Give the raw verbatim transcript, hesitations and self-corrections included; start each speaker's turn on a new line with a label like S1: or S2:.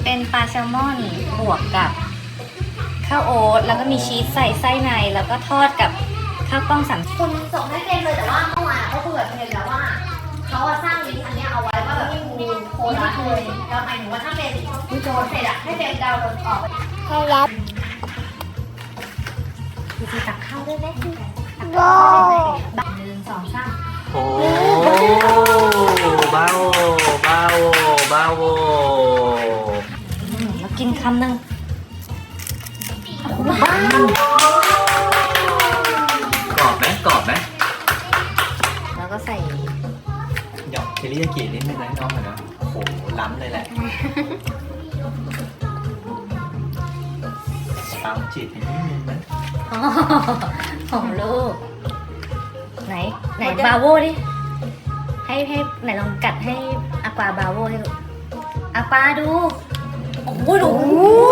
S1: เป็นปลาแซลมอนบวกกับข้าวโอ๊ตแล้วก็มีชีสใส่ไส้ในแล้วก็ทอดกับข้าวกล้องสาม
S2: คุณส่งให้เจนเลยแต่ว่าเมื่อวานเขาคุยกับเจนแล้วว่าเขาอะสร้างลิงก์อันเนี้ยเอาไว้ว่าแบบมีโค้ดลัดเลยแล้วหมายถึงว่าถ้าเป็นโจนเสร็จอะให้เจนดาวน์โหลดออก
S3: ให้รับ
S1: พี่จีตักข้าวด้วยไหม
S3: โว้
S1: บักหนึ่งสองสาม
S4: โอ้บาโวบาโวบาโว
S1: อืมแล้วกินคำหนึ่ง
S4: กรอบไหมกรอบไหม
S1: แล้วก็ใส่
S4: หยอกเทริยากินิดนึงนะน้องหน่อยนะโอ้โหล้ำเลยแหละตามจีบนิดนึงนะ
S1: อ๋อของลูกไหนไหนบาโวดิให้ให้ไหนลองกัดให้อากวาบาโวให้ดูอากวาดูโอ้โหดู